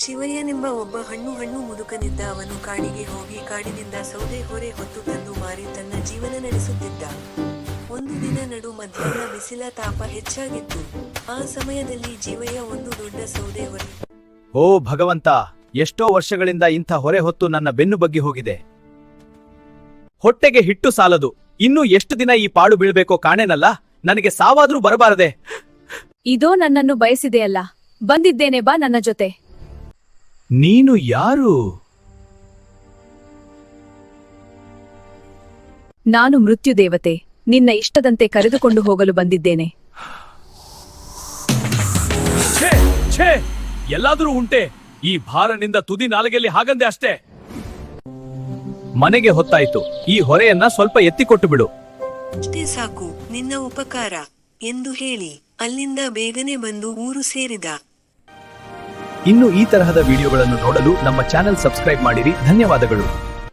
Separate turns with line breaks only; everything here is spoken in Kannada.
ಶಿವಯ್ಯನೆಂಬ ಒಬ್ಬ ಹಣ್ಣು ಮುದುಕನಿದ್ದ. ಅವನು ಕಾಡಿಗೆ ಹೋಗಿ ಕಾಡಿನಿಂದ ಸೌದೆ ಹೊರೆ ಹೊತ್ತು ತಂದು ಮಾರಿ ತನ್ನ ಜೀವನ ನಡೆಸುತ್ತಿದ್ದ. ಒಂದು ದಿನ ನಡು ಮಧ್ಯಾಹ್ನ ಬಿಸಿಲ ತಾಪ ಹೆಚ್ಚಾಗಿತ್ತು. ಆ ಸಮಯದಲ್ಲಿ ಜೀವಯ್ಯ ಒಂದು ದೊಡ್ಡ ಸೌದೆ ಹೊರೆ.
ಓ ಭಗವಂತ, ಎಷ್ಟೋ ವರ್ಷಗಳಿಂದ ಇಂಥ ಹೊರೆ ಹೊತ್ತು ನನ್ನ ಬೆನ್ನು ಬಗ್ಗಿ ಹೋಗಿದೆ. ಹೊಟ್ಟೆಗೆ ಹಿಟ್ಟು ಸಾಲದು, ಇನ್ನೂ ಎಷ್ಟು ದಿನ ಈ ಪಾಡು ಬೀಳ್ಬೇಕೋ ಕಾಣೆನಲ್ಲ. ನನಗೆ ಸಾವಾದ್ರೂ ಬರಬಾರದೆ.
ಇದೋ ನನ್ನನ್ನು ಬಯಸಿದೆಯಲ್ಲ, ಬಂದಿದ್ದೇನೆ, ಬಾ ನನ್ನ ಜೊತೆ.
ನೀನು ಯಾರು?
ನಾನು ಮೃತ್ಯುದೇವತೆ, ನಿನ್ನ ಇಷ್ಟದಂತೆ ಕರೆದುಕೊಂಡು ಹೋಗಲು ಬಂದಿದ್ದೇನೆ.
ಛೇ ಛೇ, ಎಲ್ಲಾದರೂ ಉಂಟೆ? ಈ ಭಾರನಿಂದ ತುದಿ ನಾಲಿಗೆಯಲ್ಲಿ ಹಾಗಂದೆ ಅಷ್ಟೇ. ಮನೆಗೆ ಹೊತ್ತಾಯ್ತು, ಈ ಹೊರೆಯನ್ನ ಸ್ವಲ್ಪ ಎತ್ತಿಕೊಟ್ಟು ಬಿಡು.
ಅಷ್ಟೇ ಸಾಕು, ನಿನ್ನ ಉಪಕಾರ ಎಂದು ಹೇಳಿ ಅಲ್ಲಿಂದ ಬೇಗನೆ ಬಂದು ಊರು ಸೇರಿದ.
ಇನ್ನು ಈ ತರಹದ ವಿಡಿಯೋಗಳನ್ನು ನೋಡಲು ನಮ್ಮ ಚಾನೆಲ್ ಸಬ್ಸ್ಕ್ರೈಬ್ ಮಾಡಿರಿ. ಧನ್ಯವಾದಗಳು.